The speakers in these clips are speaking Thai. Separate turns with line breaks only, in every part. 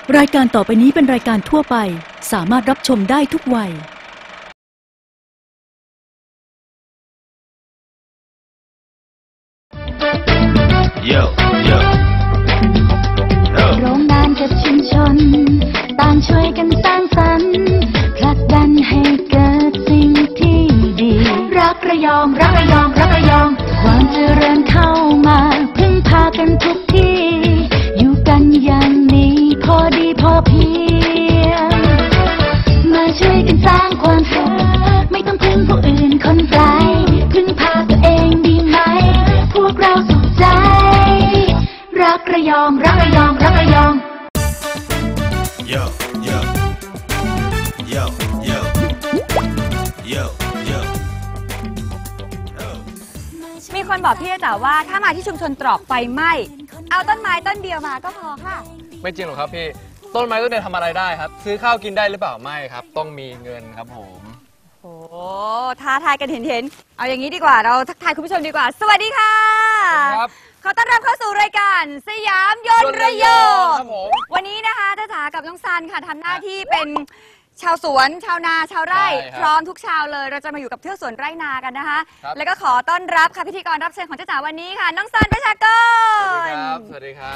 รายการต่อไปนี้เป็นรายการทั่วไปสามารถรับชมได้ทุกวัย
โรงงานกับชุมชนต่างช่วยกันสร้างสรรค์ผลักดันให้เกิดสิ่งที่ดีรักระยองรักระยองรักระยองความเจริญเข้ามาพึ่งพากันทุกที่อยู่กันอย่างนี้พอดีพอเพียงมาช่วยกันสร้างความสุขไม่ต้องพึ่งผู้อื่นคนไกลพึ่งพาตัวเองดีไหมพวกเราสุขใจรักระยองรักระยองรักระยอง
มีคนบอกพี่จ๋าว่าถ้ามาที่ชุมชนตรอกไฟไหม้เอาต้นไม้ต้นเดียวมาก็พอค่ะ
ไม่จริงหรอกครับพี่ต้นไม้ต้นเดียวทำอะไรได้ครับซื้อข้าวกินได้หรือเปล่าไม่ครับต้องมีเงินครับผม
โอ้ท้าทายกันเห็นเอาอย่างนี้ดีกว่าเราทักทายคุณผู้ชมดีกว่าสวัสดีค่ะ
ครับ
ขอต้อนรับเข้าสู่รายการสยามยนต์ระยองวันนี้นะคะจ้าจ๋ากับน้องซันค่ะทำหน้าที่เป็นชาวสวนชาวนาชาวไร่พร้อมทุกชาวเลยเราจะมาอยู่กับเทือกสวนไร่นากันนะคะแล้วก็ขอต้อนรับค่ะพิธีกรรับเชิญของจ้าจ๋าวันนี้ค่ะน้องซันประชากร
สวัสดีครับ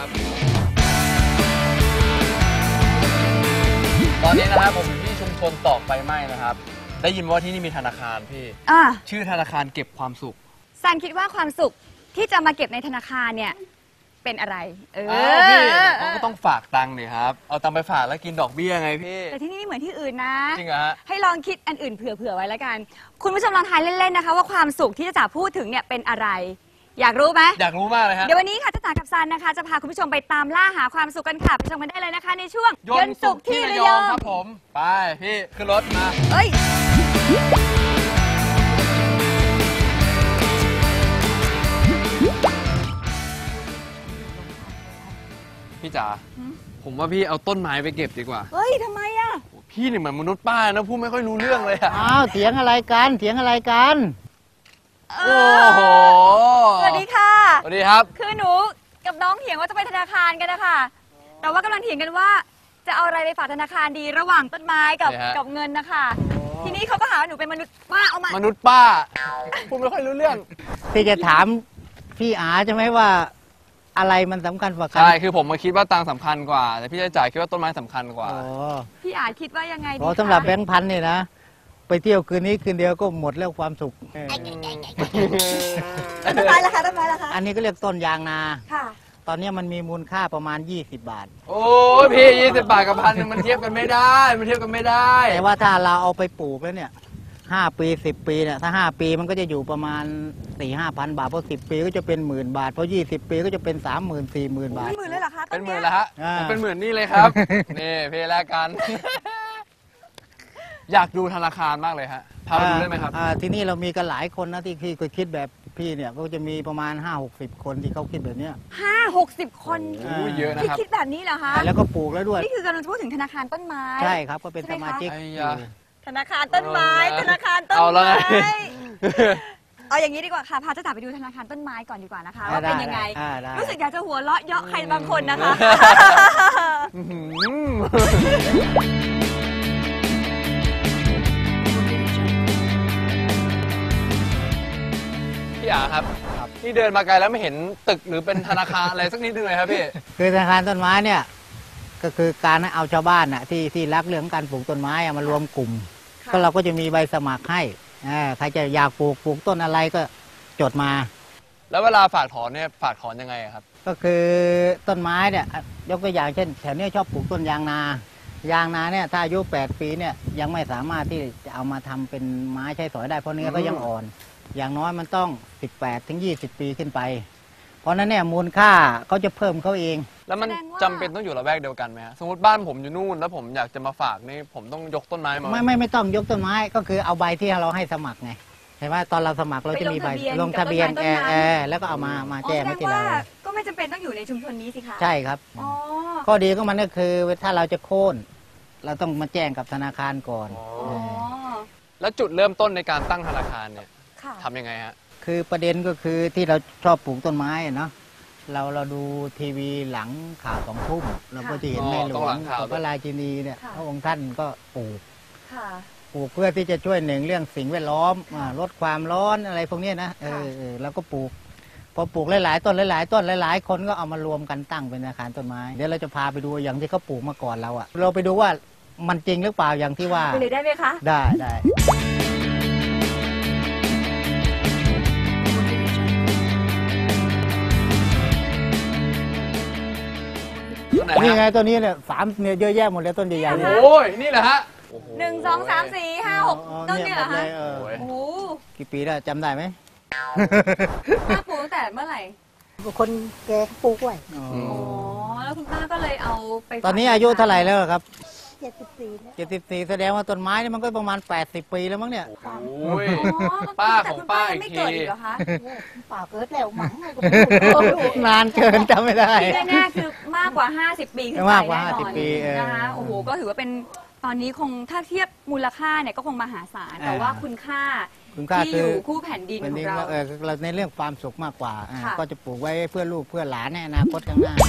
ตอนนี้นะครับผมอยู่ที่ชุมชนตอกไฟไหม้นะครับได้ยินว่าที่นี่มีธนาคารพี่ชื่อธนาคารเก็บความสุข
ซันคิดว่าความสุขที่จะมาเก็บในธนาคารเนี่ยเป็นอะไร
พี่เขาก็ต้องฝากตังค์ดิครับเอาตังค์ไปฝากแล้วกินดอกเบี้ยไงพี่
แต่ที่นี่ไม่เหมือนที่อื่นนะ
จริงเหรอฮะ
ให้ลองคิดอันอื่นเผื่อไว้แล้วกันคุณผู้ชมลองทายเล่นๆนะคะว่าความสุขที่จะพูดถึงเนี่ยเป็นอะไรอยากรู้ไหม
อยากรู้มากเลยฮะ
เดี๋ยววันนี้ค่ะจ้าจ๋ากับซันนะคะจะพาคุณผู้ชมไปตามล่าหาความสุขกันค่ะไปชมกันได้เลยนะคะในช่วง
ยนต์สุขที่ระยองครับผมไปพี่ขึ้นรถมาพี่จ๋าผมว่าพี่เอาต้นไม้ไปเก็บดีกว่า
เฮ้ยทำไมอ่ะ
พี่นี่เหมือนมนุษย์ป้านะพูดไม่ค่อยรู้เรื่องเลยอะ
อ้าวเถียงอะไรกันเถียงอะไรกัน
โอ้โห
สวัสดีค่ะ
สวัสดีครับ
คือหนูกับน้องเถียงว่าจะไปธนาคารกันนะคะแต่ว่ากำลังเถียงกันว่าจะเอาอะไรไปฝากธนาคารดีระหว่างต้นไม้กับเงินนะคะทีนี้เขาก็หาหนูเป็นมนุษย์ป้าเอาม
นุษย์ป้าพูดไม่ค่อยรู้เรื่อง
ที่จะถามพี่อาใช่ไหมว่าอะไรมันสำคัญกว่ากัน
ใช่คือผมมาคิดว่าตังค์สำคัญกว่าแต่พี่จ่ายคิดว่าต้นไม้สำคัญกว่า
พี่อาคิดว่ายังไงดี
สำหรับแบงค์พันเนี่ยนะไปเที่ยวคืนนี้คืนเดียวก็หมดแล้วความสุข
ต้นไม้ราคาต้นไม้ราคา
อันนี้ก็เรียกต้นยางนา
ค่ะ
ตอนนี้มันมีมูลค่าประมาณ20 บาท
โอ้พี่20 บาทกับพันมันเทียบกันไม่ได้มันเทียบกันไม่ได้
แต่ว่าถ้าเราเอาไปปลูกแล้วเนี่ย5 ปี10 ปีเนี่ยถ้า5 ปีมันก็จะอยู่ประมาณ4-5 พันบาทพอ10 ปีก็จะเป็น10,000 บาทพอ20 ปีก็จะเป็น30,000 40,000 บาท
เป็นหมื่นเลยเหรอคะ
เป็นหมื่นแล้วฮะเป็นหมื่นนี่เลยครับนี่เพลแลกกันอยากดูธนาคารมากเลยฮะพาไปดูได้ไหมครับ
ที่นี่เรามีกันหลายคนนะที่คิดแบบพี่เนี่ยก็จะมีประมาณ50-60 คนที่เขาคิดแบบนี้
50-60 คน
เยอะนะครับ
ที่คิดแบบนี้เหรอคะ
แล้วก็ปลูกแล้วด้วย
นี่คือกำลังพูดถึงธนาคารต้นไม้
ใช่ครับก็เป็นสมาชิก
ธนาคารต้นไม้ธนาคารต้นไม้เอาอย่างนี้ดีกว่าค่ะพาเจ้าจ๋าไปดูธนาคารต้นไม้ก่อนดีกว่านะคะว่าเป็นยังไงรู้สึกอยากจะหัวเราะเยาะใครบางคนนะคะ
พี่อาครับนี่เดินมาไกลแล้วไม่เห็นตึกหรือเป็นธนาคารอะไรสักนิดนึงเลยครับพี่
คือธนาคารต้นไม้เนี่ยก็คือการเอาชาวบ้านน่ะที่รักเรื่องการปลูกต้นไม้มารวมกลุ่มก็เราก็จะมีใบสมัครให้ใครจะอยากปลูกต้นอะไรก็จดมา
แล้วเวลาฝากถอนเนี่ยฝากถอนยังไงครับ
ก็คือต้นไม้เนี่ยยกตัวอย่างเช่นแถวนี้ชอบปลูกต้นยางนาเนี่ยถ้าอายุ8 ปีเนี่ยยังไม่สามารถที่จะเอามาทำเป็นไม้ใช้สอยได้เพราะเนื้อก็ยังอ่อนอย่างน้อยมันต้อง18-20 ปีขึ้นไปเพราะนั้นเนี่ยมูลค่าเขาจะเพิ่มเขาเอง
แล้วมันจำเป็นต้องอยู่ละแวกเดียวกันไหมสมมติบ้านผมอยู่นู่นแล้วผมอยากจะมาฝากนี่ผมต้องยกต้นไม้มา
ไม่ต้องยกต้นไม้ก็คือเอาใบที่เราให้สมัครไงเห็นไหมตอนเราสมัครเราจะมีใบลงทะเบียนแล้วก็เอามาแจ้งไว้ที่เรา
ก็ไม่จำเป็นต้องอยู่ในชุมชนนี้สิคะ
ใช่ครับข้อดีของมันก็คือถ้าเราจะโค่นเราต้องมาแจ้งกับธนาคารก่อน
แล้วจุดเริ่มต้นในการตั้งธนาคารเนี่ยทำยังไงฮะ
คือประเด็นก็คือที่เราชอบปลูกต้นไม้เนาะเราดูทีวีหลังข่าว2 ทุ่มเราก็จะเห็นในหลวงพระราชินีเนี่ยพระองค์ท่านก็ปลูกเพื่อที่จะช่วยหนึ่งเรื่องสิ่งแวดล้อมลดความร้อนอะไรพวกนี้นะเราก็ปลูกพอปลูกหลายๆต้นหลายๆต้นหลายๆคนก็เอามารวมกันตั้งเป็นอาคารต้นไม้เดี๋ยวเราจะพาไปดูอย่างที่เขาปลูกมาก่อนเราอะเราไปดูว่ามันจริงหรือเปล่าอย่างที่ว่า
ไปเลยได้ไหมคะ
ได้นี่ไงตัวนี้เนี่ย3เนี่ยเยอะแยะหมดเลยต้นใหญ่ๆเนี่ย
โอ้ยนี่แหละฮะ
1 2 3 4 5 6ต้นเนี่ยเหรอคะโอ้โห
กี่ปีแล้วจำได้ไหม
ป้าปลูกตั้งแต่เมื่อไหร่
คนแก่ปลูกไว้
อ๋อแล้วคุณป้าก็เลยเอาไป
ตอนนี้อายุเท่าไหร่แล้วครับ
74
แสดงว่าต้นไม้นี่มันก็ประมาณ80 ปีแล้วมั้งเนี่ย
โอ้ยป้าของป้าอีกที
ป้าเกิดแล้วมั้ง
นานเกินจำไม่ได้
แน่ๆคือมากกว่า50 ปีขึ้นไป
มากกว่า50 ปี
นะคะโอ้โหก็ถือว่าเป็นตอนนี้คงถ้าเทียบมูลค่าเนี่ยก็คงมหาศาลแต่ว่าคุณค่าที่อยู่คู่แผ่นดินของ
เราในเรื่องความสุขมากกว่าก็จะปลูกไว้เพื่อลูกเพื่อหลานในอนาคตข้างหน้า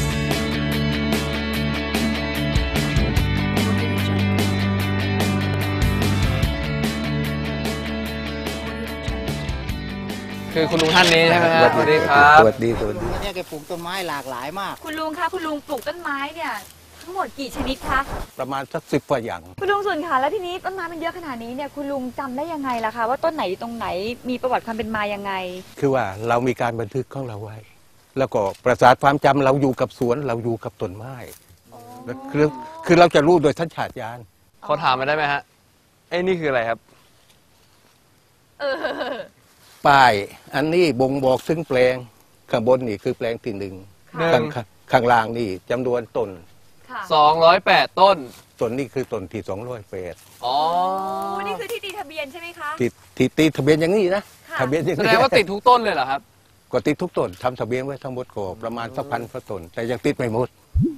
คือคุณลุงท่านนี้ใช่ไหมครับสวัสดีครับ
สวัสดีเนี่ยแกปลูกต้นไม้หลากหลายมาก
คุณลุงคะคุณลุงปลูกต้นไม้เนี่ยทั้งหมดกี่ชนิดคะ
ประมาณสัก10 กว่าอย่าง
คุณลุงส่วนค่ะแล้วทีนี้ต้นไม้มันเยอะขนาดนี้เนี่ยคุณลุงจำได้ยังไงล่ะคะว่าต้นไหนตรงไหนมีประวัติความเป็นมายังไง
คือว่าเรามีการบันทึกของเราไว้แล้วก็ประสาทความจำเราอยู่กับสวนเราอยู่กับต้นไม้คือเราจะรู้โดยสัญชาตญาณ
เขาถามมาได้ไหมฮะนี่คืออะไรครับ
ป้ายอันนี้บ่งบอกซึ่งแปลงข้างบนนี่คือแปลงที่1ข้างล่างนี่จำนวนต้น
208 ต้น
นี่คือต้นที่208
อ๋อ
นี่คือที่ตีทะเบียนใช่ไหมคะ
ที่ตีทะเบียนอย่างนี้นะทะเบียนอย่างนี้
แสดงว่าติดทุกต้นเลยเหรอครับ
ก็ติดทุกต้นทำทะเบียนไว้ทั้งหมดก็ประมาณสัก1,000 กว่าต้นแต่ยังติดไม่หมด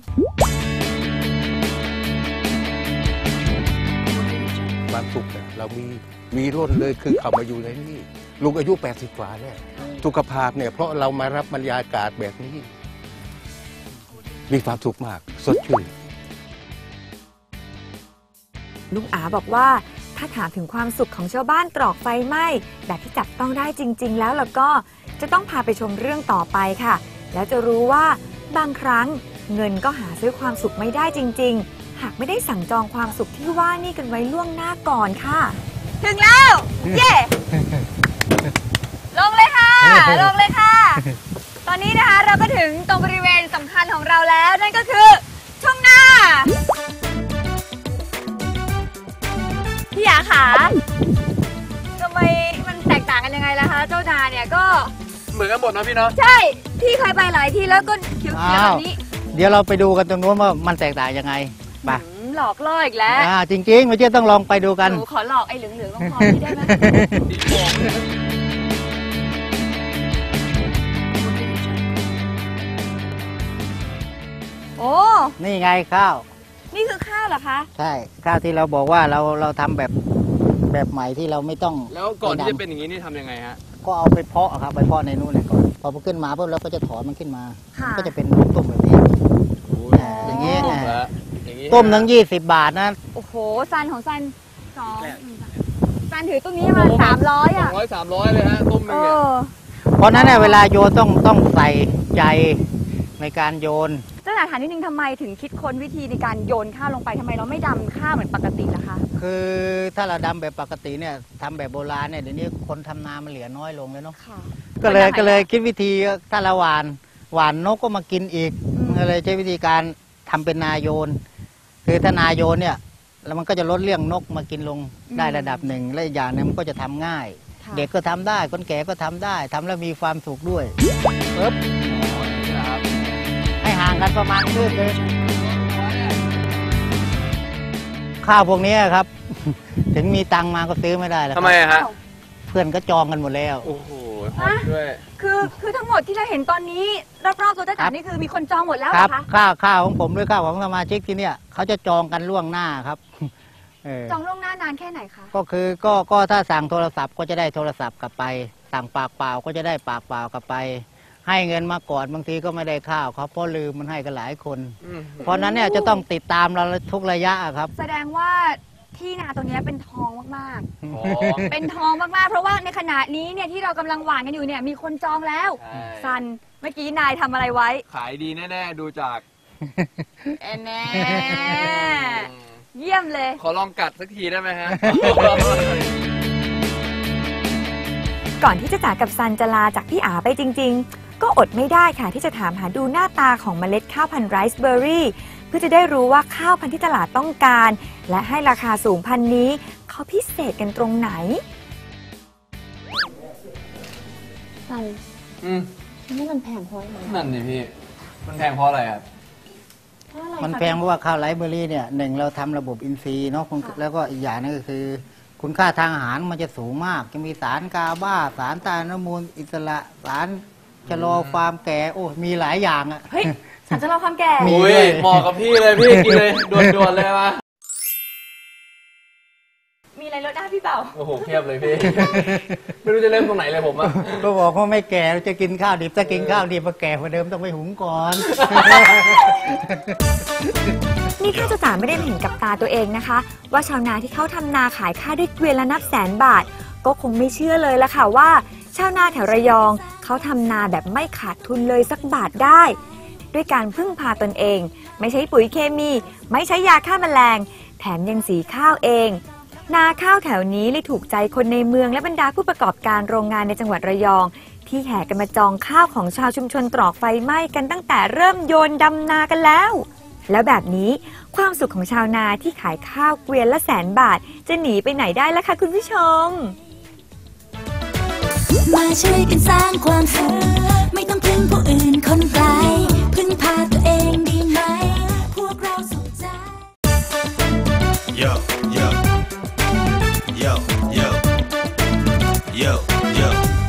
ความสุขเรามีร่นเลยคือเอามาอยู่ในนี่ลุงอายุ80 กว่าเนี่ยสุขภาพเนี่ยเพราะเรามารับบรรยากาศแบบนี้มีความสุขมากสดชื่น
ลุงอาบอกว่าถ้าถามถึงความสุขของชาวบ้านตรอกไฟไหม้แบบที่จับต้องได้จริงๆแล้วก็จะต้องพาไปชมเรื่องต่อไปค่ะแล้วจะรู้ว่าบางครั้งเงินก็หาซื้อความสุขไม่ได้จริงๆหากไม่ได้สั่งจองความสุขที่ว่านี่กันไว้ล่วงหน้าก่อนค่ะ
ถึงแล้วเย่ลงเลยค่ะลงเลยค่ะตอนนี้นะคะเราก็ถึงตรงบริเวณสำคัญของเราแล้วนั่นก็คือทุ่งนาพี่ยาขาทำไมมันแตกต่างกันยังไงล่ะคะเจ้านาเนี่ยก็
เหมือนกันหมดนะพี่เนาะ
ใช่พี่เคยไปหลายที่แล้วก็เขียวๆแบบนี้
เดี๋ยวเราไปดูกันตรงนู้นว่ามันแตกต่างยังไงไป
หลอกล่ออีกแล้ว
จริงๆไม่ใช่ต้องลองไปดูกัน
หนูขอหลอกไอ้เหลืองๆต้องพอพี่ได้ไหมโอ้
นี่ไงข้าว
นี่คือข้าวเหรอคะ
ใช่ข้าวที่เราบอกว่าเราทำแบบใหม่ที่เราไม่ต้อง
แล้วก่อนที่จะเป็นอย่างนี้นี่ทำยังไงฮะ
ก็เอาไปเพาะครับไปเพาะในนู่นเลยก่อนพอมันขึ้นมาปุ๊บเราก็จะถอนมันขึ้นมาก็จะเป็นต้มแบบนี้อย่างนี้ต้มทั้ง20 บาทนะ
โอ้โหซันของซันซันถือตรงนี้มา300อ่ะ
300เลยฮะต้มนึงเนี่ย
เพราะนั้นเนี่ยเวลาโยนต้องใส่ใจในการโยน
เจ้าหน้าถามนิดนึงทำไมถึงคิดค้นวิธีในการโยนข้าวลงไปทำไมเราไม่ดำข้าวเหมือนปกติล่ะคะ
คือถ้าเราดำแบบปกติเนี่ยทำแบบโบราณเนี่ยเดี๋ยวนี้คนทำนามันเหลือน้อยลงเลยเนาะก็เลยคิดวิธีถ้าเราหวานนกก็มากินอีกก็เลยใช้วิธีการทำเป็นนาโยนคือถ้านาโยนเนี่ยแล้วมันก็จะลดเรื่องนกมากินลงได้ระดับหนึ่งและอีกอย่างนึงมันก็จะทำง่ายเด็กก็ทำได้คนแก่ก็ทำได้ทำแล้วมีความสุขด้วยปึ๊บให้ห่างกันประมาณคืบเลยข้าวพวกนี้ครับถึงมีตังมาก็ซื้อไม่ได้แล้ว
ทำไมฮะ
เพื่อนก็จองกันหมดแล้ว
โอ้โหด้วย
คือทั้งหมดที่เราเห็นตอนนี้รอบๆตัวจ้าจ๋านี่คือมีคนจองหมดแล้วเหรอคะ
ข้าวของผมด้วยข้าวของสมาชิกที่เนี่ยเขาจะจองกันล่วงหน้าครับ
จองล่วงหน้านานแค่ไหนคะ
ก็คือก็ถ้าสั่งโทรศัพท์ก็จะได้โทรศัพท์กลับไปสั่งปากเปล่าก็จะได้ปากเปล่ากลับไปให้เงินมาก่อนบางทีก็ไม่ได้ข้าวเขาเพราะลืมมันให้กันหลายคน เพราะนั้นเนี่ยจะต้องติดตามเราทุกระยะครับ
แสดงว่าที่นาตรงนี้เป็นทองมากๆเป็นทองมากๆเพราะว่าในขณะนี้เนี่ยที่เรากำลังหว่านกันอยู่เนี่ยมีคนจองแล้วซันเมื่อกี้นายทำอะไรไว้
ขายดีแน่ๆดูจาก
แน่เยี่ยมเลย
ขอลองกัดสักทีได้ไหมฮะ
ก่อนที่จะจากกับซันจะลาจากพี่อาไปจริงๆก็อดไม่ได้ค่ะที่จะถามหาดูหน้าตาของเมล็ดข้าวพันธุ์ไรซ์เบอร์รี่เพื่อจะได้รู้ว่าข้าวพันธุ์ที่ตลาดต้องการและให้ราคาสูงพันธุ์นี้เขาพิเศษกันตรงไหน
ซันนี่มันแพงเพราะอะไร
นั่นดิพี่มันแพงเพราะอะไรครับ
มันแพงเพราะว่าข้าวไรซ์เบอร์รี่เนี่ยหนึ่งเราทำระบบอินทรีย์เนาะแล้วก็อีกอย่างนึงก็คือคุณค่าทางอาหารมันจะสูงมากจะมีสารกาบาสารต้านอนุมูลอิสระสารชะลอความแก่โอ้มีหลายอย่างอ่ะ
เฮ้ยสารชะลอความแก่
อุ้ยเหมาะกับพี่เลยพี่กินเลยด่วนๆเลยมา
มีอะไรลดได้พี่เปล่า
โอ้โหเพียบเลยพี่ ไม่รู้จะเริ่มตรงไหนเลยผมอ่ะ
ก็บอกว่าไม่แก่จะกินข้าวดิบถ้ากินข้าวดิบมาแก่กว่าเดิมต้องไปหุงก่อน
นี่ข้าจ๋าไม่ได้เห็นกับตาตัวเองนะคะว่าชาวนาที่เขาทำนาขายข้าวด้วยเกวียนละนับแสนบาทก็คงไม่เชื่อเลยละค่ะว่าชาวนาแถวระยองเขาทำนาแบบไม่ขาดทุนเลยสักบาทได้ด้วยการพึ่งพาตนเองไม่ใช้ปุ๋ยเคมีไม่ใช้ยาฆ่าแมลงแถมยังสีข้าวเองนาข้าวแถวนี้เลยถูกใจคนในเมืองและบรรดาผู้ประกอบการโรงงานในจังหวัดระยองที่แห่กันมาจองข้าวของชาวชุมชนตรอกไฟไหม้กันตั้งแต่เริ่มโยนดำนากันแล้วแล้วแบบนี้ความสุขของชาวนาที่ขายข้าวเกวียนละ100,000 บาทจะหนีไปไหนได้ล่ะคะคุณผู้ชม
มาช่วยกันสร้างความสุขไม่ต้องพึ่งผู้อื่นคนไกลพึ่งพาตัวเองดีไหมพวกเราสุขใจ Yo yo yo yo yo yo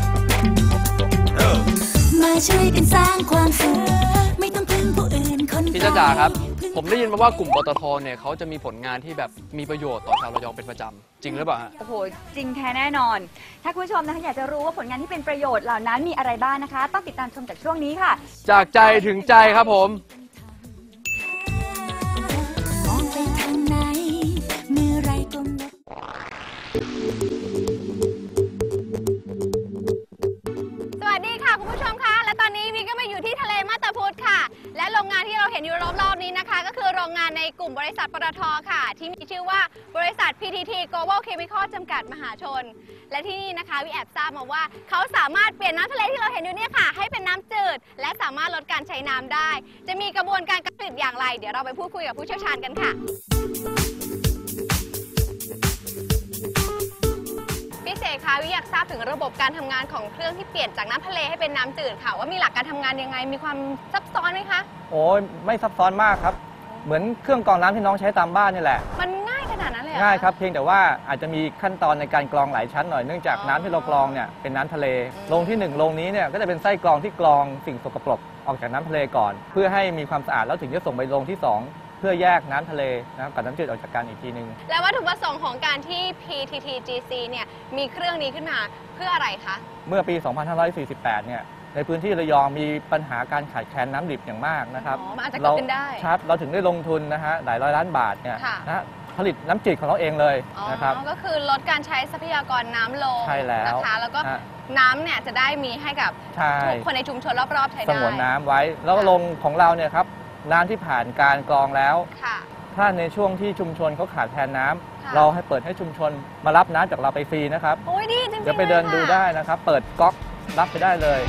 มาช่วยกันสร้างความสุขไม่ต้องพึ่งผู้อื่นคนไกล
พี่จ๋าครับผมได้ยินมาว่ากลุ่มปตท.เนี่ยเขาจะมีผลงานที่แบบมีประโยชน์ต่อชาวระยองเป็นประจำจริงหรือเปล่าฮะ
โอ้โหจริงแท้แน่นอนถ้าคุณผู้ชมนะคะอยากจะรู้ว่าผลงานที่เป็นประโยชน์เหล่านั้นมีอะไรบ้างนะคะต้องติดตามชมจากช่วงนี้ค่ะ
จากใจถึงใจครับผม
มองไปทางไหนเมื่อไรก็
สวัสดีค่ะคุณผู้ชมคะและตอนนี้พี่ก็มาอยู่ที่ทะเลมาตาพุธค่ะและโรงงานที่เราเห็นอยู่รอบๆนี้นะคะก็คือโรงงานในกลุ่มบริษัทปตท.ค่ะที่มีชื่อว่าบริษัท PTT Global Chemical จำกัดมหาชนและที่นี่นะคะวิแอบทราบมาว่าเขาสามารถเปลี่ยนน้ำทะเลที่เราเห็นอยู่เนี่ยค่ะให้เป็นน้ำจืดและสามารถลดการใช้น้ำได้จะมีกระบวนการผลิตอย่างไรเดี๋ยวเราไปพูดคุยกับผู้เชี่ยวชาญกันค่ะพี่เสกคะวิอยากทราบถึงระบบการทำงานของเครื่องที่เปลี่ยนจากน้ำทะเลให้เป็นน้ำจืดค่ะว่ามีหลักการทำงานยังไงมีความซับซ้อนไหมคะ
โอ้ยไม่ซับซ้อนมากครับเหมือนเครื่องกรองน้ำที่น้องใช้ตามบ้านนี่แหละ
มันง่ายขนาดนั้นเลย
ง่ายครับเพียงแต่ว่าอาจจะมีขั้นตอนในการกรองหลายชั้นหน่อยเนื่องจากน้ำที่เรากรองเนี่ยเป็นน้ำทะเลโรงที่1โรงนี้เนี่ยก็จะเป็นไส้กรองที่กรองสิ่งสกปรกออกจากน้ำทะเลก่อนเพื่อให้มีความสะอาดแล้วถึงจะส่งไปโรงที่2เพื่อแยกน้ำทะเลนะครับกับน้ำจืดออกจากกันอีกทีนึง
แล้ววัตถุประสงค์ของการที่ PTTGC เนี่ยมีเครื่องนี้ขึ้นมาเพื่ออะไรคะ
เมื่อปี 2548 เนี่ยในพื้นที่ระยองมีปัญหาการขาดแคลนน้ำดิบอย่างมากนะครับ
มันอาจจะเกิดขึ้นได้
ครับเราถึงได้ลงทุนนะฮะหลายร้อยล้านบาทเนี่ยนะผลิตน้ำจืดของเราเองเลยนะครับ
ก็คือลดการใช้ทรัพยากรน้ำลง
ใช่แล้ว
นะคะแล้วก็น้ำเนี่ยจะได้มีให้กับทุกคนในชุมชนรอบๆใช้ได้
สงวนน้ำไว้แล้วลงของเราเนี่ยครับน้ำที่ผ่านการกรองแล้วถ้าในช่วงที่ชุมชนเขาขาดแคลนน้ำเราให้เปิดให้ชุมชนมารับน้ำจากเราไปฟรีนะครับ
โอ้ยดีจริงๆ
เดี๋ยวไปเดินดูได้นะครับเปิดก๊อกรับไปได้เลย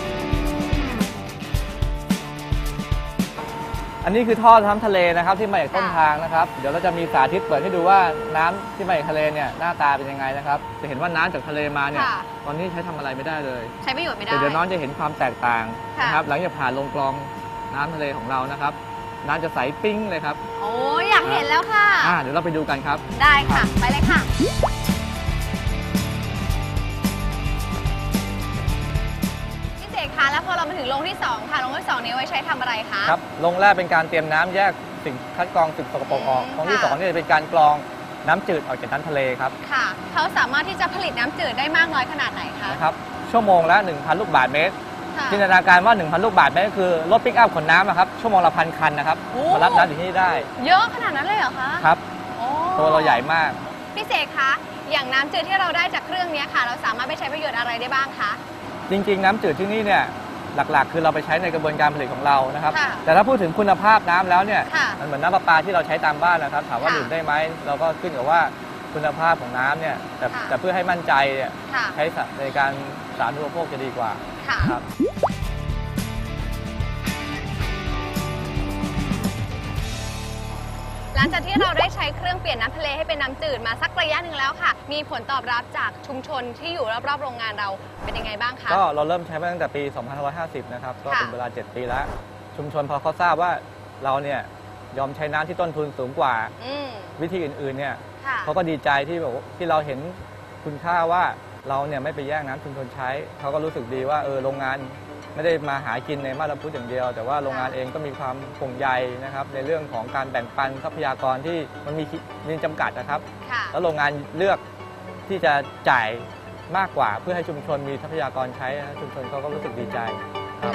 อันนี้คือท่อน้ำทะเลนะครับที่มาจากต้นทางนะครับเดี๋ยวเราจะมีสาธิตเปิดให้ดูว่าน้ำที่มาจากทะเลเนี่ยหน้าตาเป็นยังไงนะครับจะเห็นว่าน้ำจากทะเลมาเนี่ยตอนนี้ใช้ทำอะไรไม่ได้เลย
ใช้ประโยชน์ไม่ได้
เดี๋ยวน้องจะเห็นความแตกต่างนะครับหลังจากผ่านลงกรองน้ำทะเลของเรานะครับน้ำจะใสปิ้งเลยครับ
โอ้ยอยากเห็นแล้วค่ะ
เดี๋ยวเราไปดูกันครับ
ได้ค่ะไปเลยค่ะพี่เสกคะแล้วพอเรามาถึงโรงที่2ค่ะโรงที่2นี้ไว้ใช้ทำอะไรคะ
ครับโรงแรกเป็นการเตรียมน้ำแยกสิ่งคัดกรองสิ่งสกปรกออกโรงที่2นี่จะเป็นการกรองน้ำจืดออกจากน้ำทะเลครับ
ค่ะเขาสามารถที่จะผลิตน้ำจืดได้มากน้อยขนาดไหนคะ
นะครับชั่วโมงละ 1,000 ลูกบาศก์เมตรจินตนาการว่า 1,000 ลูกบาศก์เมตรก็คือรถปิกอัพขนน้ำครับชั่วโมงละ1,000 คันนะครับมารับน้ำถึงที่นี่ได้
เยอะขนาดนั้นเลยเหรอคะ
ครับตัวเราใหญ่มาก
พี่เสกคะอย่างน้ำจืดที่เราได้จากเครื่องนี้ค่ะเราสามารถไปใช้ประโยชน์อะไรได้บ้างคะ
จริงๆน้ำจืดที่นี่เนี่ยหลักๆคือเราไปใช้ในกระบวนการผลิตของเรานะครับแต่ถ้าพูดถึงคุณภาพน้ำแล้วเนี่ยมันเหมือนน้ำประปาที่เราใช้ตามบ้านนะครับถามว่าดื่มได้ไหมเราก็ขึ้นกับว่าคุณภาพของน้ำเนี่ยแต่เพื่อให้มั่นใจเนี่ยใช้ในการสาธารณูปโภคจะดีกว่าครับ
หลังจากที่เราได้ใช้เครื่องเปลี่ยนน้ำทะเลให้เป็นน้ำจืดมาสักระยะหนึ่งแล้วค่ะมีผลตอบรับจากชุมชนที่อยู่รอบๆโรงงานเราเป็นยังไงบ้างคะ
ก็เราเริ่มใช้มาตั้งแต่ปี 2550 นะครับก็เป็นเวลา 7 ปีแล้วชุมชนพอเขาทราบว่าเราเนี่ยยอมใช้น้ำที่ต้นทุนสูงกว่าวิธีอื่นๆเนี่ยเขาก็ดีใจที่แบบที่เราเห็นคุณค่าว่าเราเนี่ยไม่ไปแย่งน้ำชุมชนใช้เขาก็รู้สึกดีว่าโรงงานไม่ได้มาหากินในมาตรพุทธอย่างเดียวแต่ว่าโรงงานเองก็มีความห่วงใยนะครับในเรื่องของการแบ่งปันทรัพยากรที่มันมีจำกัดนะครับแล้วโรงงานเลือกที่จะจ่ายมากกว่าเพื่อให้ชุมชนมีทรัพยากรใช้ชุมชนเขาก็รู้สึกดีใจครับ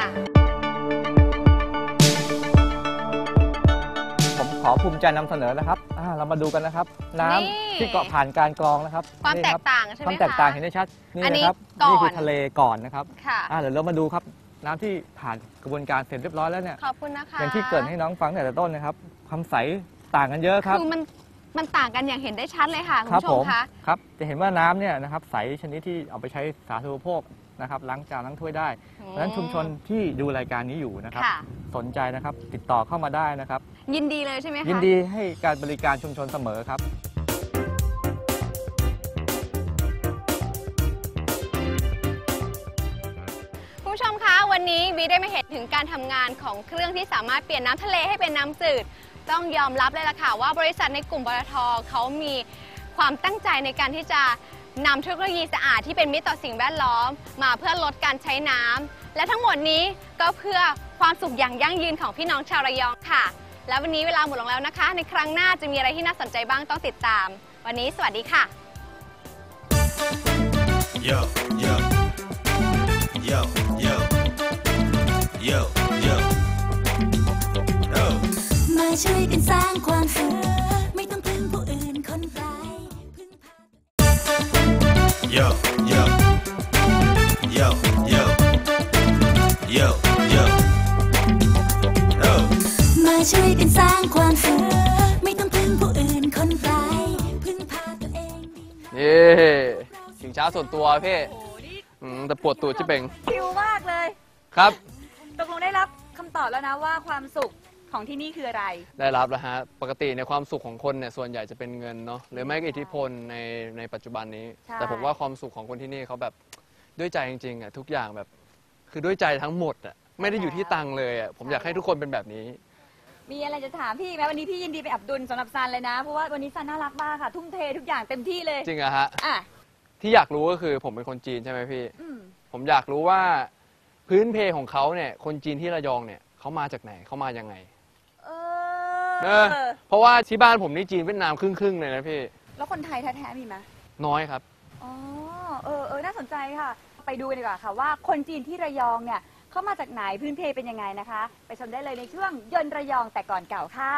ผมขอภูมิใจนำเสนอนะครับเรามาดูกันนะครับน้ำที่เกาะผ่านการกรองนะครับ
ความแตกต่างใช่ไหมคะ
ความแตกต่างเห็นได้ชัดนี่นะครับนี่คือทะเลก่อนนะครับเดี๋ยวเรามาดูครับน้ำที่ผ่านกระบวนการเสร็จเรียบร้อยแล้วเนี่ย
ขอบคุณนะคะ
อย่างที่เกิดให้น้องฟังแต่ต้นนะครับความใสต่างกันเยอะครับ
คือมันต่างกันอย่างเห็นได้ชัดเลยค่ะคุณผู้ชมคะ
ครับจะเห็นว่าน้ำเนี่ยนะครับใสชนิดที่เอาไปใช้สาธารณูปโภคนะครับล้างจานล้างถ้วยได้เพราะฉะนั้นชุมชนที่ดูรายการนี้อยู่นะครับสนใจนะครับติดต่อเข้ามาได้นะครับ
ยินดีเลยใช่ไหมคะ
ยินดีให้การบริการชุมชนเสมอครับ
คุณผู้ชมคะวันนี้วีได้มาเห็นถึงการทำงานของเครื่องที่สามารถเปลี่ยนน้ำทะเลให้เป็นน้ำจืดต้องยอมรับเลยล่ะค่ะว่าบริษัทในกลุ่มปตท.เขามีความตั้งใจในการที่จะนำเทคโนโลยีสะอาดที่เป็นมิตรต่อสิ่งแวดล้อมมาเพื่อลดการใช้น้ำและทั้งหมดนี้ก็เพื่อความสุขอย่างยั่งยืนของพี่น้องชาวระยองค่ะและวันนี้เวลาหมดลงแล้วนะคะในครั้งหน้าจะมีอะไรที่น่าสนใจบ้างต้องติดตามวันนี้สวัสดีค่ะ Yo, yo. Yo, yo. Yo, yo. Oh. มาช่วยกันสร้างความสุขไม่ต้องพึ่งผู้อื่นคนไกลพึ่งพา Yo, yo. Yo, yo. Yo, yo. Oh. มาช่วยกันสร้างความสุขไม่ต้องพึ่งผู้อื่นคนไกลพึ่งพาตัวเอง
ชิงช้าส่วนตัวพี่แต่ปวดตูดที่เป็น
คิวมากเลย
ครับ
ตกลงได้รับคำตอบแล้วนะว่าความสุขของที่นี่คืออะไร
ได้รับแล้วฮะปกติในความสุขของคนเนี่ยส่วนใหญ่จะเป็นเงินเนาะหรือไม่ก็อิทธิพลในปัจจุบันนี้แต่ผมว่าความสุขของคนที่นี่เขาแบบด้วยใจจริงๆอ่ะทุกอย่างแบบคือด้วยใจทั้งหมดอ่ะไม่ได้อยู่ที่ตังค์เลยอ่ะผมอยากให้ทุกคนเป็นแบบนี้
มีอะไรจะถามพี่ไหมวันนี้พี่ยินดีไปอับดุลสำหรับซันเลยนะเพราะว่าวันนี้ซันน่ารักมากค่ะทุ่มเททุกอย่างเต็มที่เลย
จริงอะฮะที่อยากรู้ก็คือผมเป็นคนจีนใช่ไหมพี่ผมอยากรู้ว่าพื้นเพของเขาเนี่ยคนจีนที่ระยองเนี่ยเขามาจากไหนเขามายังไงเพราะว่าที่บ้านผมนี่จีนเวียดนามครึ่งๆเลยนะพี่
แล้วคนไทยแท้ๆมีไหม
น้อยครับ
อ๋อน่าสนใจค่ะไปดูกันดีกว่าค่ะว่าคนจีนที่ระยองเนี่ยเขามาจากไหนพื้นเพเป็นยังไงนะคะไปชมได้เลยในช่วงยนต์ระยองแต่ก่อนเก่าค่ะ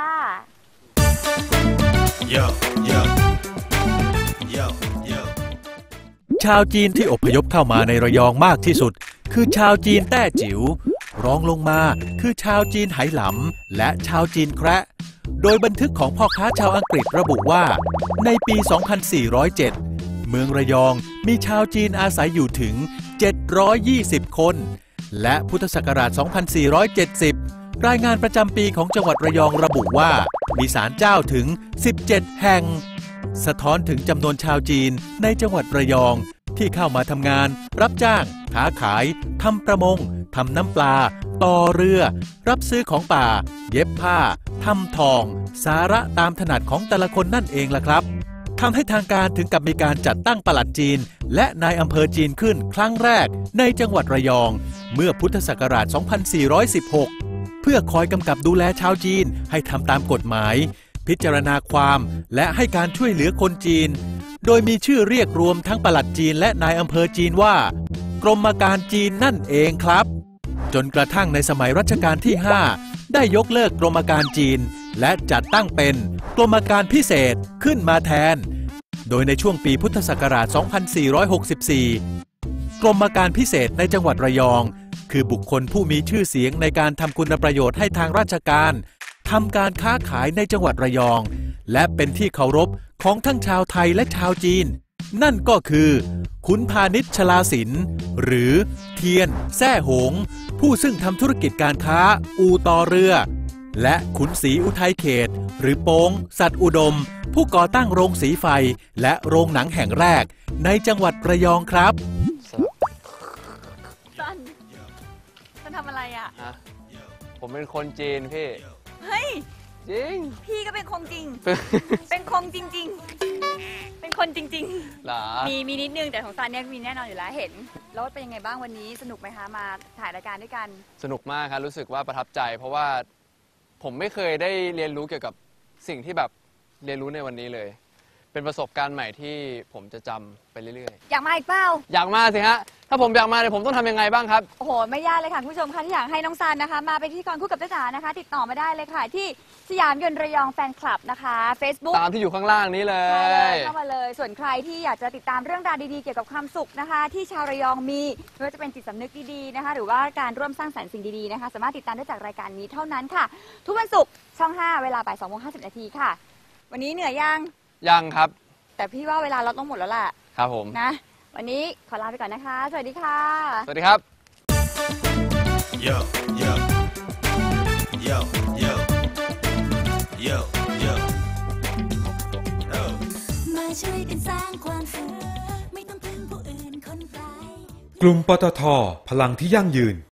Yo, yo. Yo, yo. ชาวจีนที่อพยพเข้ามาในระยองมากที่สุดคือชาวจีนแต้จิ๋วรองลงมาคือชาวจีนไหหลำและชาวจีนแคระโดยบันทึกของพ่อค้าชาวอังกฤษระบุว่าในปี 2407 เมืองระยองมีชาวจีนอาศัยอยู่ถึง 720 คนและพุทธศักราช 2470 รายงานประจำปีของจังหวัดระยองระบุว่ามีศาลเจ้าถึง 17 แห่งสะท้อนถึงจำนวนชาวจีนในจังหวัดระยองที่เข้ามาทำงานรับจ้างค้าขายทำประมงทำน้ำปลาต่อเรือรับซื้อของป่าเย็บผ้าทำทองสาระตามถนัดของแต่ละคนนั่นเองล่ะครับทำให้ทางการถึงกับมีการจัดตั้งปลัดจีนและนายอำเภอจีนขึ้นครั้งแรกในจังหวัดระยองเมื่อพุทธศักราช 2416 เพื่อคอยกำกับดูแลชาวจีนให้ทำตามกฎหมายพิจารณาความและให้การช่วยเหลือคนจีนโดยมีชื่อเรียกรวมทั้งปลัดจีนและนายอำเภอจีนว่ากรมการจีนนั่นเองครับจนกระทั่งในสมัยรัชกาลที่ 5 ได้ยกเลิกกรมการจีนและจัดตั้งเป็นกรมการพิเศษขึ้นมาแทนโดยในช่วงปีพุทธศักราช 2464 กรมการพิเศษในจังหวัดระยองคือบุคคลผู้มีชื่อเสียงในการทำคุณประโยชน์ให้ทางราชการทำการค้าขายในจังหวัดระยองและเป็นที่เคารพของทั้งชาวไทยและชาวจีนนั่นก็คือขุนพาณิชย์ชลาสินหรือเทียนแซ่หงผู้ซึ่งทำธุรกิจการค้าอู่ต่อเรือและขุนศรีอุทัยเขตหรือโป้งสัตว์อุดมผู้ก่อตั้งโรงสีไฟและโรงหนังแห่งแรกในจังหวัดระยองครับ
ซันทำอะไรอ่ะ
ผมเป็นคนจีนพี่
เฮ้ย
จริง
พี่ก็เป็นคงจริง เป็นคงจริงๆเป็นคนจริงๆ
หรอ
มีนิดนึงแต่ของซันเนี่ยมีแน่นอนอยู่แล้วเห็นแล้วเป็นยังไงบ้างวันนี้สนุกไหมคะมาถ่ายรายการด้วยกัน
สนุกมากครับรู้สึกว่าประทับใจเพราะว่าผมไม่เคยได้เรียนรู้เกี่ยวกับสิ่งที่แบบเรียนรู้ในวันนี้เลยเป็นประสบการณ์ใหม่ที่ผมจะจำไปเรื่อย
ๆอยากมาอีกเปล่า
อยากมาสิฮะถ้าผมอยากมาเนี่ยผมต้องทำยังไงบ้างครับ
โอ้โหไม่ยากเลยค่ะคุณผู้ชมคะที่อยากให้น้องซันนะคะมาเป็นพิธีกรคู่กับจ้าจ๋านะคะติดต่อมาได้เลยค่ะที่สยามยนต์ระยองแฟนคลับนะคะ Facebook
ตามที่อยู่ข้างล่างนี้เลย
เข้ามาเลยส่วนใครที่อยากจะติดตามเรื่องราวดีๆเกี่ยวกับความสุขนะคะที่ชาวระยองมีไม่ว่าจะเป็นจิตสำนึกดีๆนะคะหรือว่าการร่วมสร้างสรรค์สิ่งดีๆนะคะสามารถติดตามได้จากรายการนี้เท่านั้นค่ะทุกวันศุกร์ช่อง 5 เวลาบ่าย 2:50 นาทีค่ะวันนี้เหนื่อย
ยังครับ
แต่พี่ว่าเวลาเราต้องหมดแล้วล่ะ
ครับผม
นะวันนี้ขอลาไปก่อนนะคะสวัสดีค่ะ
สวัสดีครับ
Yo yo yo yo yo yo มาช่วยกันสร้างความสุขไม่ต้องพึ่งผู้อื่นคนไกล
กลุ่มปตท.พลังที่ยั่งยืน